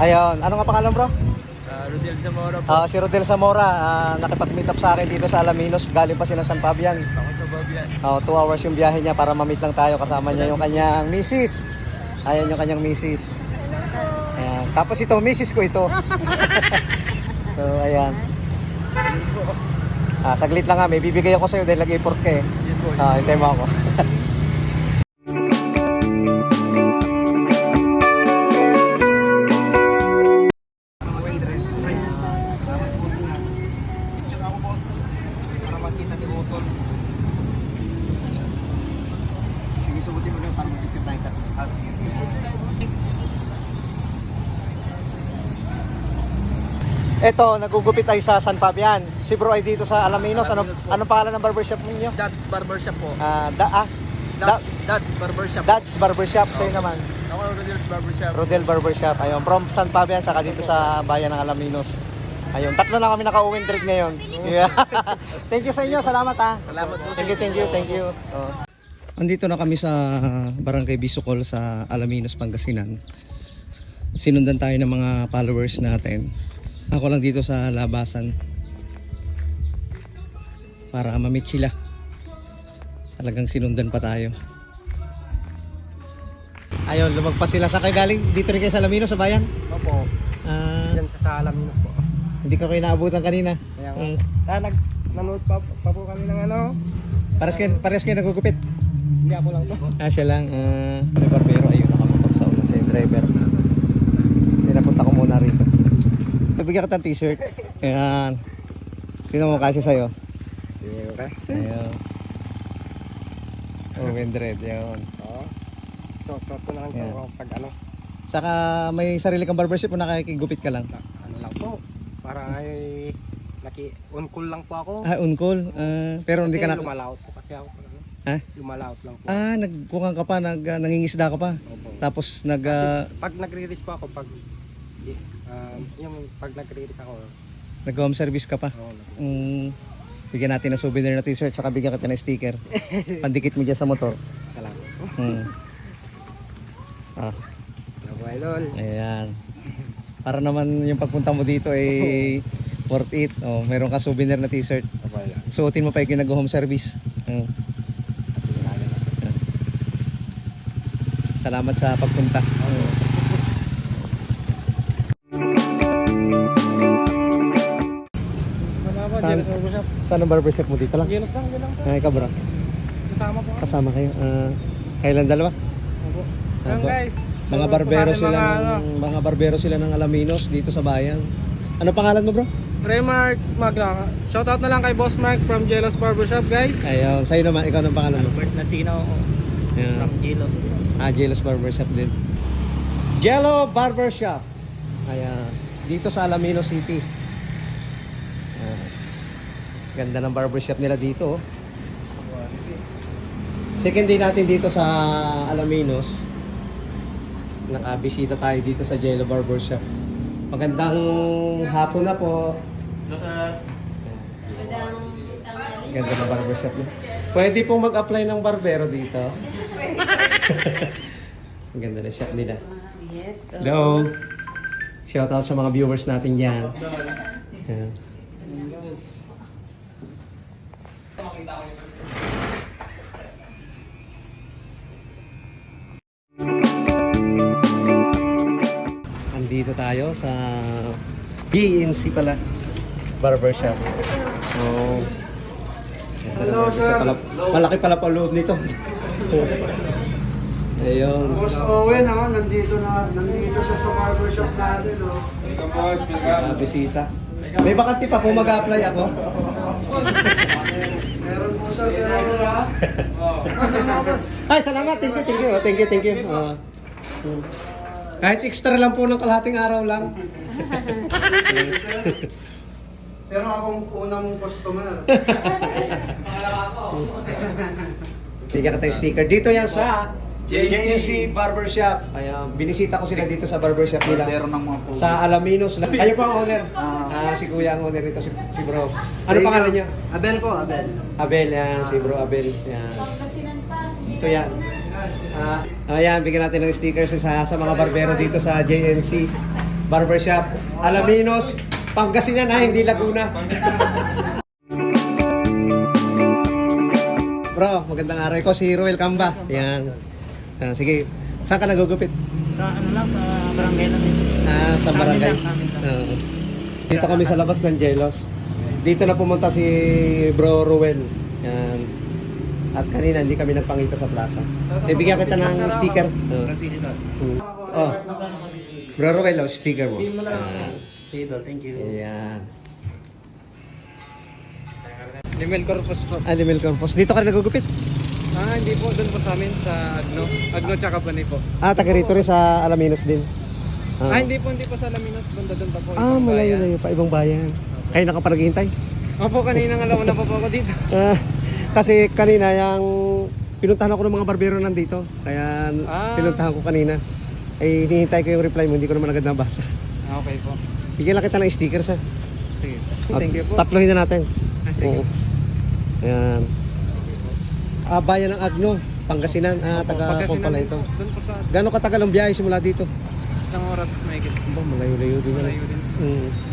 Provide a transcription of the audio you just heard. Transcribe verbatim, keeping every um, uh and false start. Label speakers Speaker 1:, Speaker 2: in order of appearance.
Speaker 1: Ayun, ano nga pangalan bro?
Speaker 2: Uh, Rodel Zamora po.
Speaker 1: Ah, si Rodel Zamora, ah, nakipag-meet up sa akin dito sa Alaminos. Galing pa siya ng San Fabian.
Speaker 2: Ako sa Babian.
Speaker 1: Oh, two hours yung biyahe niya para ma-meet lang tayo. Kasama niya yung kanyang misis. Ayan yung kanyang misis. Ayan. Tapos ito, misis ko ito. So, ayan. Ah, saglit lang ha, may bibigay ako sa'yo dahil nag-import ka eh.
Speaker 2: Yes po.
Speaker 1: Ah, hintay mo ako.
Speaker 2: Para makita ni Otol. Sige, subutin mo lang para makita tayo. Ah, sige.
Speaker 1: Ito, nagugupit tayo sa San Fabian. Si bro ay dito sa Alaminos. Ano,
Speaker 2: Alaminos po.
Speaker 1: anong pangalan ng barbershop ninyo?
Speaker 2: Dad's Barbershop po.
Speaker 1: Ah, da, ah, da,
Speaker 2: Dad's, Dad's Barbershop.
Speaker 1: Dad's Barbershop. Sa'yo naman.
Speaker 2: Ako Rodel's Barbershop.
Speaker 1: Rodel Barbershop. Ayun, from San Fabian, saka dito sa bayan ng Alaminos. Ayun, tatlo na kami naka-uwing trip ngayon. Yeah. Thank you sa inyo. Salamat ha.
Speaker 2: Salamat po.
Speaker 1: Thank you, thank you, thank you. Oh. Andito na kami sa Barangay Bisukol sa Alaminos, Pangasinan. Sinundan tayo ng mga followers natin. Ako lang dito sa labasan para ma-meet sila. Talagang sinundan pa tayo. Ayun, lumagpas sila. Sa kayo galing? Dito rin kayo sa Alaminos, sa bayan?
Speaker 2: Opo.
Speaker 1: Ah,
Speaker 2: Yan sa Salaminos po.
Speaker 1: hindi ka kayo naabutan kanina.
Speaker 2: Kaya nga.
Speaker 1: Mm.
Speaker 2: Ah, nag nanood pa, pa po kami ng ano.
Speaker 1: Pares kayo, pares kayo nagugupit.
Speaker 2: Hindi ako lang po.
Speaker 1: Ah, siya lang. Uh, may barbero. Ayun, nakamotok sa ulo sa driver. Pinapunta ko muna rito. Bigyan ka ng t-shirt. Ayan. Sino mo kasi sa'yo?
Speaker 2: Kasi.
Speaker 1: Ayun. Oh, Wendred. Yun.
Speaker 2: Oo. So, so, ito na lang
Speaker 1: Yeah.
Speaker 2: yeah. pag ano.
Speaker 1: Saka may sarili kang barbershop o nakikigupit ka lang?
Speaker 2: Na, ano lang po. Para ay naki on call lang po ako.
Speaker 1: Ah, on-call. Ah, pero hindi
Speaker 2: Kasi
Speaker 1: ka na...
Speaker 2: lumalaot po kasi ako. Ano?
Speaker 1: Ha?
Speaker 2: Lumalaot lang po.
Speaker 1: Ah, nagkukan ka pa, nag, uh, nangingisda ka pa.
Speaker 2: Opo.
Speaker 1: Tapos nag...
Speaker 2: Kasi
Speaker 1: Uh,
Speaker 2: pag nagre-release po ako, pag um, yung pag nagre-release ako,
Speaker 1: nag-home service ka pa.
Speaker 2: oo, nag-
Speaker 1: Um, bigyan natin ng souvenir na t-shirt, saka bigyan kita ng sticker. Pandikit mo dyan sa motor.
Speaker 2: salamat po.
Speaker 1: Hmm. Ah,
Speaker 2: Hello po, idol.
Speaker 1: ayan. Para naman yung pagpunta mo dito ay worth it. Oh, meron ka souvenir na t-shirt.
Speaker 2: Opo, idol.
Speaker 1: Suotin mo pa yung nag-home service. Hmm. Salamat sa pagpunta.
Speaker 2: Wala po,
Speaker 1: Saan?
Speaker 2: Jealous Barbershop.
Speaker 1: Saan ang barbershop mo dito lang?
Speaker 2: Jealous lang, yun lang po.
Speaker 1: Ay, ka bro.
Speaker 2: Kasama po ako.
Speaker 1: Kasama kayo. Ah, kailan dalawa?
Speaker 2: Opo. Yan
Speaker 1: Opo.
Speaker 2: guys.
Speaker 1: Mga
Speaker 2: So,
Speaker 1: barbero
Speaker 2: sa ating
Speaker 1: sila
Speaker 2: mga,
Speaker 1: ng,
Speaker 2: ano,
Speaker 1: mga barbero sila ng Alaminos dito sa bayan. Ano pangalan mo bro?
Speaker 2: Remark Magna. Shoutout na lang kay Boss Mark from Jealous Barbershop, guys.
Speaker 1: Ayun, sa'yo naman, ikaw ng pangalan mo?
Speaker 2: Albert Nasino
Speaker 1: Ayan.
Speaker 2: from Jealous.
Speaker 1: Ah, Jealous Barbershop din. Jello Barbershop. Ayan. Dito sa Alaminos City. Ayan. Ganda ng barbershop nila dito. Oh. Second day natin dito sa Alaminos. Nakabisita tayo dito sa Jello Barbershop. Magandang hapon na po. Ganda ng barbershop niya. Pwede pong mag-apply ng barbero dito. Ang ganda na shop nila.
Speaker 3: Yes.
Speaker 1: Hello. Shout out sa mga viewers natin dyan. Ayan. Andito tayo sa G N C pala barbershop. Oh. Hello, sir. Malaki pala pa loob nito. Ayun.
Speaker 4: Boss Owen ha, nandito na nandito siya sa barbershop natin oh.
Speaker 1: Ah, bisita. May bakante pa kung mag-apply ako.
Speaker 4: Meron po siya pero ha.
Speaker 1: Ay, salamat. Thank you, thank you. Thank you, thank you. Ah. Hmm. Kahit extra lang po ng kalahating araw lang.
Speaker 4: Pero akong unang customer.
Speaker 1: Bigyan ka tayong sticker. Dito yan sa J N C Barbershop. Ayan, binisita ko sila dito sa barbershop nila. Sa Alaminos. Kayo po ang owner. Ah, si Kuya ang owner nito, si, si Bro. Ano pangalan niyo?
Speaker 4: Abel po, Abel.
Speaker 1: Abel, yan. Si Bro Abel. Yan. Ito yan. Ah, ayan, bigyan natin ng stickers sa, sa mga barbero dito sa J N C Barbershop. Alaminos, Pangasinan ha, hindi Laguna. Bro, magandang araw ko si Ruel Camba. Yan. Ah, sige, saan ka nagugupit?
Speaker 3: Sa ano lang, sa barangay lang.
Speaker 1: Ah, sa
Speaker 3: Sa amin
Speaker 1: barangay.
Speaker 3: lang, sa amin lang.
Speaker 1: Oo. Dito kami sa labas ng Jelos. Dito na pumunta si Bro Ruel. Yan. At kanina hindi kami nagpangita sa plaza. So, bigyan kita ng sticker. Oo. Hmm. Oh. Bro Ruel, oh, sticker mo.
Speaker 3: Si Idol, thank you.
Speaker 1: Ayan.
Speaker 2: Limel Corpus po.
Speaker 1: Animal compost. Dito ka rin nagugupit?
Speaker 2: Ah, hindi po. Doon po sa amin sa Agno. Agno tsaka Bani po.
Speaker 1: Ah, taga rito rin sa Alaminos din.
Speaker 2: Ah, hindi po. Hindi po sa Laminos. Banda doon pa po.
Speaker 1: Ah,
Speaker 2: ibang bayan.
Speaker 1: malayo-layo pa. Ibang bayan. Kayo nakapanaghihintay?
Speaker 2: Opo, kanina nga lang na po po ako dito.
Speaker 1: Ah, kasi kanina yung pinuntahan ako ng mga barbero nandito. Kaya
Speaker 2: Ah.
Speaker 1: pinuntahan ko kanina. Ay hinihintay ko yung reply mo, hindi ko naman agad nabasa.
Speaker 2: Ah, okay po.
Speaker 1: Bigyan lang kita ng stickers ha.
Speaker 2: Sige.
Speaker 1: At
Speaker 2: Thank you po.
Speaker 1: Tatlohin na natin.
Speaker 2: Ah, sige.
Speaker 1: Oo. Ayan. Ah, bayan ng Agno, Pangasinan. Ah, taga
Speaker 2: Pagkasinan
Speaker 1: Pong pala ito.
Speaker 2: Doon po sa
Speaker 1: Gano'ng katagal ang biyahe simula dito?
Speaker 2: isang oras may
Speaker 1: Ba, malayo-layo din yan.
Speaker 2: malayo din.
Speaker 1: Mm.